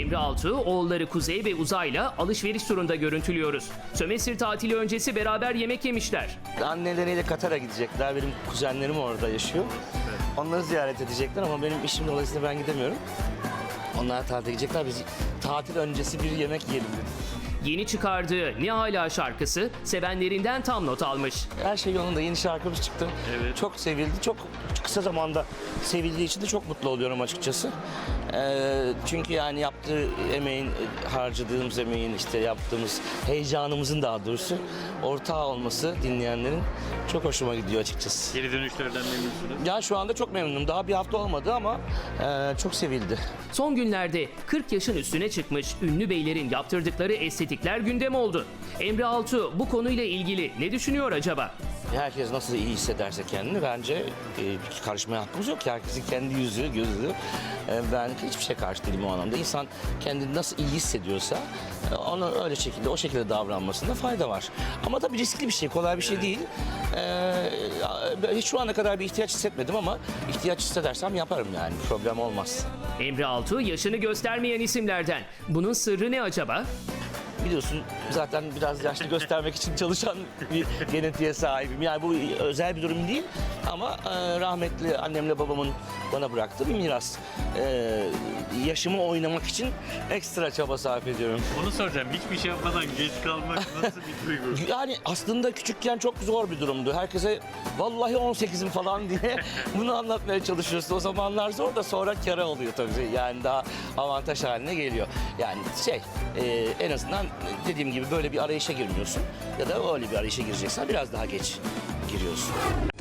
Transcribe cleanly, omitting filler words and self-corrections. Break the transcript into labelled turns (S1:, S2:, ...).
S1: Emre Altuğ, oğulları Kuzey ve Uzay'la alışveriş turunda görüntülüyoruz. Sömestr tatili öncesi beraber yemek yemişler.
S2: Anneleriyle Katar'a gidecekler. Benim kuzenlerim orada yaşıyor. Onları ziyaret edecekler ama benim işim dolayısıyla ben gidemiyorum. Onlar tatile gidecekler. Biz tatil öncesi bir yemek yiyelim dedik.
S1: Yeni çıkardığı Ne Hala şarkısı sevenlerinden tam not almış.
S2: Her şey yolunda. Yeni şarkımız çıktı.
S3: Evet.
S2: Çok sevildi. Çok kısa zamanda sevildiği için de çok mutlu oluyorum açıkçası. Çünkü yani yaptığı emeğin, harcadığımız emeğin, işte yaptığımız heyecanımızın daha doğrusu ortağı olması dinleyenlerin çok hoşuma gidiyor açıkçası.
S3: Geri dönüşlerden memnunsunuz.
S2: Ya şu anda çok memnunum. Daha bir hafta olmadı ama çok sevildi.
S1: Son günlerde 40 yaşın üstüne çıkmış ünlü beylerin yaptırdıkları estetikler gündem oldu. Emre Altuğ bu konuyla ilgili ne düşünüyor acaba?
S2: Herkes nasıl iyi hissederse kendini bence karışmaya hakkımız yok ki. Herkesin kendi yüzü, gözü. Ben hiçbir şey karşı değilim o anlamda. İnsan kendini nasıl iyi hissediyorsa ona öyle şekilde, o şekilde davranmasında fayda var. Ama tabii riskli bir şey, kolay bir şey değil. Hiç şu ana kadar bir ihtiyaç hissetmedim ama ihtiyaç hissedersem yaparım yani. Problem olmaz.
S1: Emre Altuğ yaşını göstermeyen isimlerden. Bunun sırrı ne acaba?
S2: Biliyorsun zaten biraz yaşlı göstermek için çalışan bir genetiğe sahibim. Yani bu özel bir durum değil ama rahmetli annemle babamın bana bıraktığı bir miras. Yaşımı oynamak için ekstra çaba sarf ediyorum.
S3: Onu soracağım. Hiçbir şey yapmadan geç kalmak nasıl bir duygu?
S2: Yani aslında küçükken çok zor bir durumdu. Herkese vallahi 18'im falan diye bunu anlatmaya çalışıyorsun. O zamanlar zor da sonra kâra oluyor tabii. Yani daha avantaj haline geliyor. Yani en azından dediğim gibi böyle bir arayışa girmiyorsun. Ya da öyle bir arayışa gireceksen biraz daha geç giriyorsun.